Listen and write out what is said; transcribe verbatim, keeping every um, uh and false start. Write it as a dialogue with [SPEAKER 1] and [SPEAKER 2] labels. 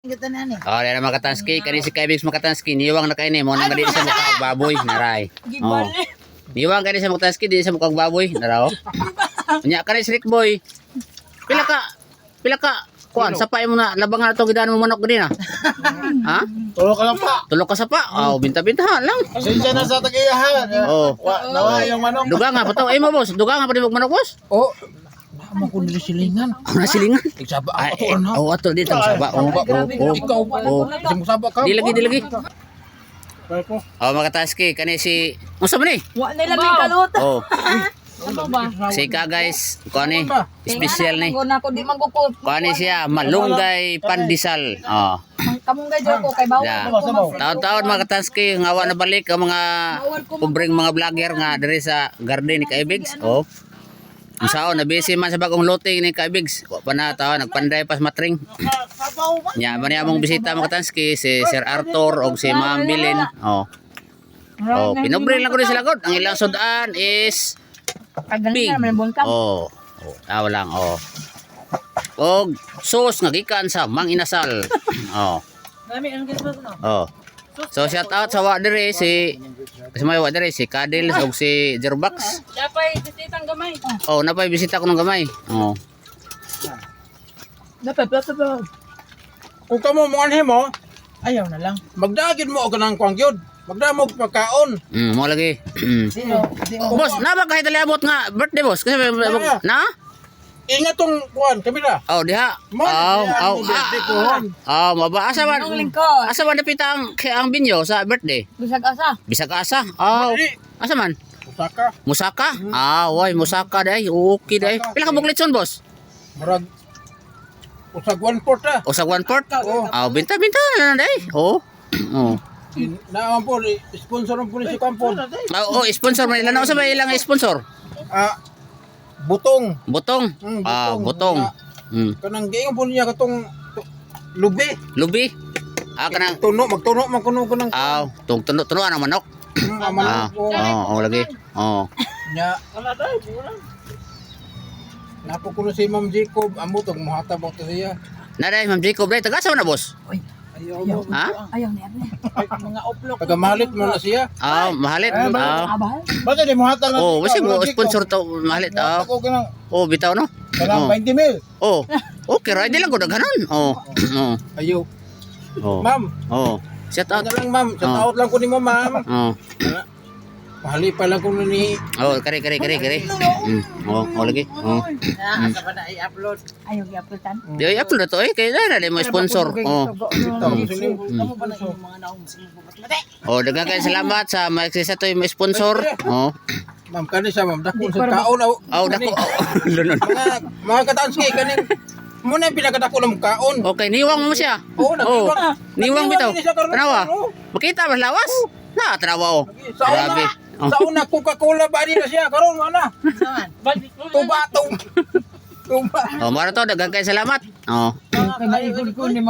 [SPEAKER 1] Kita na ni.
[SPEAKER 2] Oh, dahil makatanski, kani si Kaibigs makatanski, niwang na kayo ni, mo nang di sa mukha baboy, naray. Oh. Niwang kani sa makatanski, di sa mukhang baboy, naraw. Nya kani si Rick Boy. Pila ka, pila ka, kuan, sapay mo na, labang na ito, gidaan mo manok gani na. Ha?
[SPEAKER 3] Tulog ka lang pa.
[SPEAKER 2] Tulog ka sa pa, oh, binta-bintahan lang.
[SPEAKER 3] Pasensya na sa tagiyahan.
[SPEAKER 2] Oh.
[SPEAKER 3] Wa, nawa yung manok.
[SPEAKER 2] Duga nga, pato, ay mo boss, duga nga pa di manok boss.
[SPEAKER 3] Oh. Baka ko nila silingan.
[SPEAKER 2] Ako na silingan.
[SPEAKER 3] Nagsaba
[SPEAKER 2] Ay,
[SPEAKER 3] ako na.
[SPEAKER 2] oh, ato dito, saba. Oh, oh, oh.
[SPEAKER 3] Ikaw,
[SPEAKER 2] Oh.
[SPEAKER 3] Kasi mo saba ka.
[SPEAKER 2] Di lagi, di lagi.
[SPEAKER 3] Kaya ko.
[SPEAKER 2] Oh, makataski, kani si, musta man ni?
[SPEAKER 1] Wa nila may kalut.
[SPEAKER 2] Oh,
[SPEAKER 1] Ano ba?
[SPEAKER 2] si ka guys, kuani, special ni.
[SPEAKER 1] Ko na ko di magkukot.
[SPEAKER 2] Kuani siya, malunggay pandesal. Oh.
[SPEAKER 1] Kamong gadyo ko kay bawal.
[SPEAKER 2] Yeah. Taon-taon mga katanski, ngawa na balik ang mga pobreng mga vlogger nga diri sa garden ni Kaibigs. Oh. Usaon na busy man sa bagong looting ni Kaibigs. Wa pa na taon nagpanday pas matring. Nya man among bisita mga katanski si Sir Arthur og si Ma'am Bilin. Oh. Oh, pinobre lang ko din sila god. Ang ilang sudan is pig. Oh. Oh, tawa lang oh. Og sauce nga gikan sa Mang Inasal. Oh. Oh. So shout out sa wa dire si kasi may wa dire si Kadil ug si Jerbax.
[SPEAKER 1] Napay bisitang gamay.
[SPEAKER 2] Oh, napay bisita ko ng gamay. Oh.
[SPEAKER 1] Napay plato pa.
[SPEAKER 3] Kung kamo mo anhe mo, ayaw na lang. Magdagid mo og kanang kwang gyud. Magdamog pagkaon.
[SPEAKER 2] Mm, mo lagi. Mm.
[SPEAKER 3] Sino?
[SPEAKER 2] Boss, na ba kahit aliabot nga birthday boss? Kasi may- may- na?
[SPEAKER 3] Ingat tong kuan, kamera.
[SPEAKER 2] Oh, diha.
[SPEAKER 3] Mo,
[SPEAKER 2] Oh,
[SPEAKER 3] diha,
[SPEAKER 2] oh.
[SPEAKER 3] ang birthday ko,
[SPEAKER 2] ah,
[SPEAKER 3] hon.
[SPEAKER 2] Oh, maba asa man.
[SPEAKER 1] Ang lingkod.
[SPEAKER 2] Asa man napita ang ang binyo sa birthday?
[SPEAKER 1] Bisag asa.
[SPEAKER 2] Bisag asa. Oh.
[SPEAKER 3] Dili.
[SPEAKER 2] Asa man?
[SPEAKER 3] Usaka.
[SPEAKER 2] Musaka? Ah, way, Musaka day. Okay day. Pila ka buklitson boss?
[SPEAKER 3] Murag usag one port ah.
[SPEAKER 2] O sa one port?
[SPEAKER 3] Oo.
[SPEAKER 2] Ah, binta-binta na lang day. Oh. Oh.
[SPEAKER 3] Naam po, sponsor ng pulis si Kampo.
[SPEAKER 2] Ah, oh, sponsor man ilan na sa ba ilang sponsor?
[SPEAKER 3] Ah, butong.
[SPEAKER 2] Butong.
[SPEAKER 3] Mm,
[SPEAKER 2] Ah,
[SPEAKER 3] butong.
[SPEAKER 2] butong. Hmm.
[SPEAKER 3] Kanang giingon po niya katong tu- lubi.
[SPEAKER 2] Lubi. Ah, kanang
[SPEAKER 3] Tuno, magtuno man kuno ko ng
[SPEAKER 2] ah, tung tuno-tuno ang manok.
[SPEAKER 3] mm,
[SPEAKER 2] Ah,
[SPEAKER 3] aman ko.
[SPEAKER 2] oh, oh lagi. Oh.
[SPEAKER 3] Nya. Napo kuno si Ma'am Jacob, amo tong muhata mo to siya.
[SPEAKER 2] Naday, Ma'am Jacob, day taga sa na boss?
[SPEAKER 3] Ayaw mo.
[SPEAKER 2] Ha?
[SPEAKER 1] Ayaw ni Ate. Mga oplok.
[SPEAKER 3] Taga mahalit mo na siya.
[SPEAKER 2] Ah, mahalit. Ah.
[SPEAKER 1] Abal.
[SPEAKER 3] Bakit di muhata na?
[SPEAKER 2] Oh, wasi mo sponsor to mahalit. Ah.
[SPEAKER 3] Ako kanang
[SPEAKER 2] Oh, bitaw no.
[SPEAKER 3] kanang
[SPEAKER 2] Oh.
[SPEAKER 3] twenty mil.
[SPEAKER 2] Oh. Okay, right lang ko daghanon. Oh. Oh.
[SPEAKER 3] Ayaw.
[SPEAKER 2] Oh.
[SPEAKER 3] Ma'am,
[SPEAKER 2] Oh. Shout out.
[SPEAKER 3] ano lang ma'am, sa
[SPEAKER 2] Oh.
[SPEAKER 3] taot lang ko ni mo ma'am.
[SPEAKER 2] Oh.
[SPEAKER 3] Mahali pa lang ko ni.
[SPEAKER 2] Oh, kare kare kare kare. Mm. Oh, oh lagi. Oh.
[SPEAKER 3] Asa pa na i-upload?
[SPEAKER 1] Ayaw gi-uploadan.
[SPEAKER 2] Di ay upload na to eh kay na na mo sponsor. Oh.
[SPEAKER 3] Kamu
[SPEAKER 1] pa na yung mga naong sila
[SPEAKER 2] Oh, daghang kay salamat sa magsisa to yung sponsor. Oh.
[SPEAKER 3] Ma'am, kani siya ma'am, dako sa kaon aw.
[SPEAKER 2] Oh, dako. Lunon.
[SPEAKER 3] Mga mga katanski kaning mo na yung pinakadako ng kaon.
[SPEAKER 2] Okay, niwang mo siya.
[SPEAKER 3] Oo,
[SPEAKER 2] Oh.
[SPEAKER 3] nagniwang.
[SPEAKER 2] Niwang bitaw.
[SPEAKER 3] Nagniwang din siya karon.
[SPEAKER 2] Tanawa.
[SPEAKER 3] Oo.
[SPEAKER 2] Makita ba lawas? Na, tanawa oh.
[SPEAKER 3] Sa
[SPEAKER 2] Grabe.
[SPEAKER 3] una, sa una Coca-Cola ba din na siya karon ana. Tuba tong. Tuba.
[SPEAKER 2] Oh, mara to daghang kay salamat. Oh.
[SPEAKER 1] Kay maigol ko ni